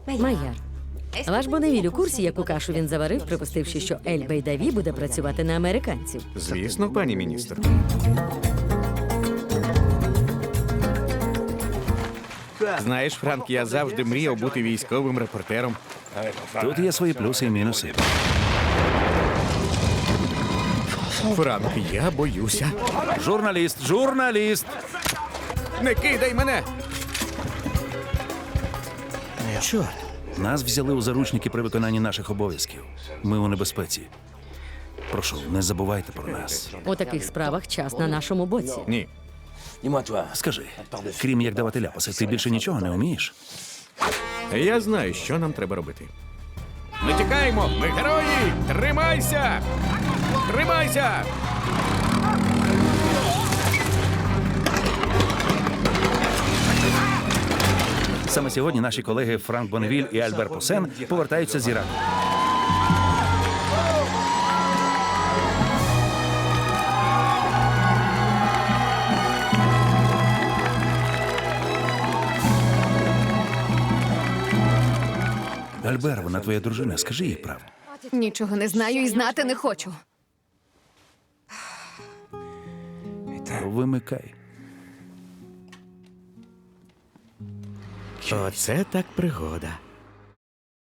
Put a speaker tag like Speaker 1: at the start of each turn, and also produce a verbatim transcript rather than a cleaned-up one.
Speaker 1: Майяр, ваш Боневіль у курсі, яку кашу він заварив, припустивши, що Ель Бейдаві буде працювати на американців.
Speaker 2: Звісно, пані міністр. Знаєш, Франк, я завжди мріяв бути військовим репортером.
Speaker 3: Тут є свої плюси і мінуси.
Speaker 2: Франк, я боюся.
Speaker 3: Журналіст, журналіст!
Speaker 2: Не кидай мене!
Speaker 3: Чорт. Нас взяли у заручники при виконанні наших обов'язків. Ми у небезпеці. Прошу, не забувайте про нас.
Speaker 1: У таких справах час на нашому боці.
Speaker 2: Ні.
Speaker 3: Скажи, крім як давати ляпаси, ти більше нічого не вмієш?
Speaker 2: Я знаю, що нам треба робити. Ми тікаємо! Ми герої! Тримайся! Тримайся!
Speaker 3: Саме сьогодні наші колеги Франк Боневіль і Альбер Посен повертаються з Іраку. Альбер, вона твоя дружина, скажи їй правду.
Speaker 4: Нічого не знаю і знати не хочу.
Speaker 3: Вимикай.
Speaker 2: Оце так пригода.